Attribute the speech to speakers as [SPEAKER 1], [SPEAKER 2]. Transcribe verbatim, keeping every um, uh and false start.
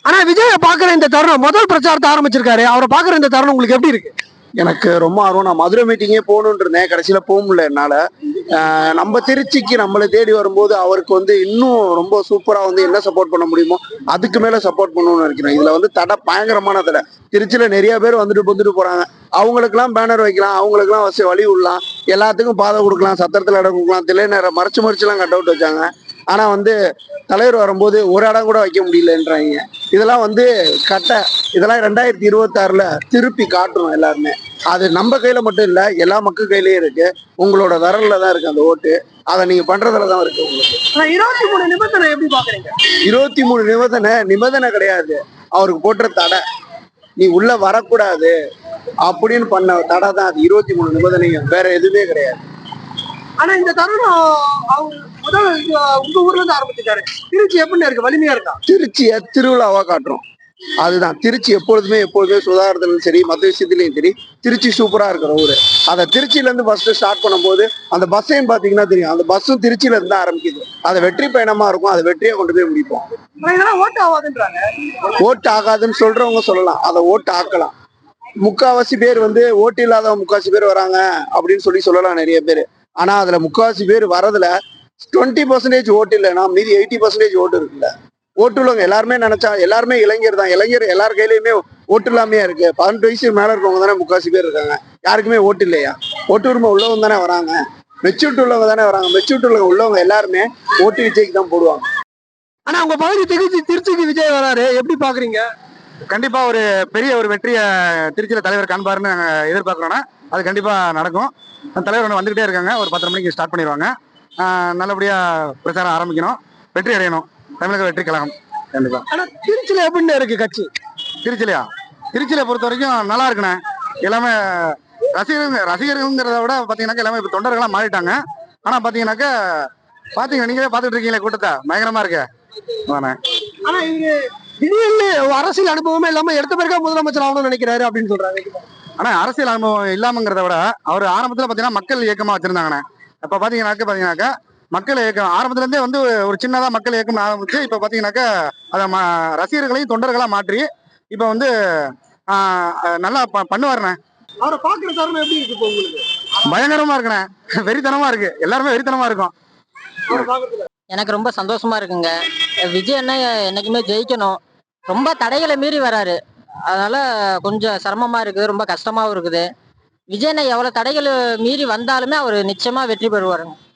[SPEAKER 1] ஆனா விஜய பாக்குற இந்த தருணம் முதல் பிரச்சாரத்தை ஆரம்பிச்சிருக்காரு. அவரை பாக்குற இந்த தருணம் உங்களுக்கு எப்படி இருக்கு?
[SPEAKER 2] எனக்கு ரொம்ப ஆர்வம். நான் மதுரை மீட்டிங்கே போகணும்னு இருந்தேன். கடைசியில போக முடியல என்னால. ஆஹ் நம்ம திருச்சிக்கு நம்மளை தேடி வரும்போது அவருக்கு வந்து இன்னும் ரொம்ப சூப்பரா வந்து என்ன சப்போர்ட் பண்ண முடியுமோ அதுக்கு மேல சப்போர்ட் பண்ணணும்னு நினைக்கிறேன். இதுல வந்து தடை பயங்கரமான தடை. திருச்சியில நிறைய பேர் வந்துட்டு வந்துட்டு போறாங்க. அவங்களுக்கெல்லாம் பேனர் வைக்கலாம், அவங்களுக்கெல்லாம் வசதி வழி விடலாம், எல்லாத்துக்கும் பாதை கொடுக்கலாம், சத்திரத்துல இடம் கொடுக்கலாம், தில்லை நேரம் மறைச்சு மறைச்சு எல்லாம் கட் அவுட் வச்சாங்க. ஆனா வந்து தலைவர் வரும்போது ஒரு இடம் கூட வைக்க முடியலன்றாங்க. இதெல்லாம் வந்து கட்ட இதெல்லாம் ரெண்டாயிரத்தி இருபத்தி ஆறுல திருப்பி காட்டணும் எல்லாருமே. அது நம்ம கையில மட்டும் இல்ல, எல்லா மக்கள் கையிலயும் இருக்கு. உங்களோட விரல்ல தான் இருக்கு அந்த ஓட்டு. அதை நீங்க பண்றதுல தான் இருக்கு உங்களுக்கு.
[SPEAKER 1] இருபத்தி மூணு நிபந்தனை எப்படி பாக்குறீங்க?
[SPEAKER 2] இருபத்தி மூணு நிபந்தனை நிபந்தனை கிடையாது, அவருக்கு போட்ட தடை. நீ உள்ள வரக்கூடாது அப்படின்னு பண்ண தடை தான் அது. இருபத்தி மூணு நிபந்தனையும் வேற எதுவுமே கிடையாது.
[SPEAKER 1] ஆனா இந்த தருணம் அவங்க முதல் உங்க ஊர்ல இருந்து ஆரம்பிச்சிருக்காரு. திருச்சி எப்படி இருக்கு? வலிமையா இருக்கா?
[SPEAKER 2] திருச்சியை திருவிழாவா காட்டுறோம். அதுதான் திருச்சி. எப்பொழுதுமே எப்பொழுதுமே சுதாகரத்திலும் சரி மற்ற விஷயத்திலையும் சரி திருச்சி சூப்பரா இருக்கிற ஊரு. அதை திருச்சியில இருந்து ஃபர்ஸ்ட் ஸ்டார்ட் பண்ணும்போது அந்த பஸ்ஸையும் பாத்தீங்கன்னா தெரியும், அந்த பஸ்ஸும் திருச்சியில இருந்து தான் ஆரம்பிக்குது. அதை வெற்றி பயணமா இருக்கும், அதை வெற்றியை கொண்டு போய் முடிப்போம்.
[SPEAKER 1] ஓட்டு ஆகாதுன்றாங்க.
[SPEAKER 2] ஓட்டு ஆகாதுன்னு சொல்றவங்க சொல்லலாம், அதை ஓட்டு ஆக்கலாம். முக்காவாசி பேர் வந்து ஓட்டு இல்லாத முக்காவாசி பேர் வராங்க அப்படின்னு சொல்லி சொல்லலாம் நிறைய பேர். ஆனா அதுல முக்காவாசி பேர் வரதுல டுவெண்ட்டி பர்சன்டேஜ் ஓட்டு இல்லைன்னா மீதி எயிட்டி பர்சன்டேஜ் ஓட்டு இருக்குல்ல. ஓட்டு உள்ளவங்க எல்லாருமே நினைச்சா எல்லாருமே இளைஞர் தான். இளைஞர் எல்லார் கையிலயுமே ஓட்டு இல்லாமையா இருக்கு. பதினெட்டு வயசு மேல இருக்கவங்க தானே முக்காசி பேர் இருக்காங்க. யாருக்குமே ஓட்டு இல்லையா? ஓட்டு உரிமை உள்ளவங்க தானே வராங்க. மெச்சூரிட்டி உள்ளவங்க தானே வராங்க. மெச்சூரிட்டி உள்ளவங்க உள்ளவங்க எல்லாருமே ஓட்டு விஜய்க்கு தான் போடுவாங்க.
[SPEAKER 1] ஆனா உங்க பகுதி திருச்சி திருச்சிக்கு விஜய் வராரு, எப்படி பாக்குறீங்க?
[SPEAKER 3] கண்டிப்பா ஒரு பெரிய ஒரு வெற்றியை திருச்சியில தலைவர் காண்பாருன்னு நாங்க எதிர்பார்க்கிறோம்னா அது கண்டிப்பா நடக்கும். தலைவர் ஒன்று வந்துகிட்டே இருக்காங்க. ஒரு பத்தரை மணிக்கு ஸ்டார்ட் பண்ணிடுவாங்க. நல்லபடியா பிரச்சாரம் ஆரம்பிக்கணும், வெற்றி அடையணும் தமிழக வெற்றி கழகம். கண்டிப்பா.
[SPEAKER 1] ஆனா திருச்சியில எப்படி இருக்கு கட்சி?
[SPEAKER 3] திருச்சிலையா? திருச்சியில பொறுத்த வரைக்கும் நல்லா இருக்குண்ணே. எல்லாமே ரசிகர்கள் ரசிகர்கள்ங்கிறத விட பாத்தீங்கன்னாக்கா எல்லாமே இப்ப தொண்டர்களா மாறிட்டாங்க. ஆனா பாத்தீங்கன்னாக்கா பாத்தீங்க நீங்களே பாத்துட்டு இருக்கீங்களே கூட்டத்தை, பயங்கரமா இருக்கு.
[SPEAKER 1] ஆனா இங்க திடீர்னு அரசியல் அனுபவமே இல்லாம எடுத்த பிறகு முதலமைச்சர் ஆகணும்னு நினைக்கிறாரு அப்படின்னு சொல்றாங்க.
[SPEAKER 3] ஆனா அரசியல் அனுபவம் இல்லாமங்கிறத விட அவர் ஆரம்பத்துல பாத்தீங்கன்னா மக்கள் இயக்கமா வச்சிருந்தாங்கண்ணே. இப்ப பாத்தீங்கன்னாக்க பாத்தீங்கன்னாக்கா மக்கள் இயக்கம் ஆரம்பத்துல இருந்தே வந்து ஒரு சின்னதா மக்கள் இயக்கம் ஆரம்பிச்சு இப்ப பாத்தீங்கன்னாக்கா அதை ரசிகர்களையும் தொண்டர்களா மாற்றி இப்ப வந்து ஆஹ் நல்லா பண்ணுவாருண்ணே.
[SPEAKER 1] அவரை பாக்குற தருணம் எப்படி இருக்கு உங்களுக்கு?
[SPEAKER 3] பயங்கரமா இருக்குண்ணே, வெறித்தனமா இருக்கு. எல்லாருமே வெறித்தனமா இருக்கும்.
[SPEAKER 4] எனக்கு ரொம்ப சந்தோஷமா இருக்குங்க. விஜய் அண்ணா என்னைக்குமே ஜெயிக்கணும். ரொம்ப தடைகளை மீறி வராரு, அதனால கொஞ்சம் சிரமமா இருக்குது, ரொம்ப கஷ்டமாவும் இருக்குது. விஜய் அண்ணா எவ்வளவு தடைகள் மீறி வந்தாலுமே அவர் நிச்சயமா வெற்றி பெறுவாருங்க.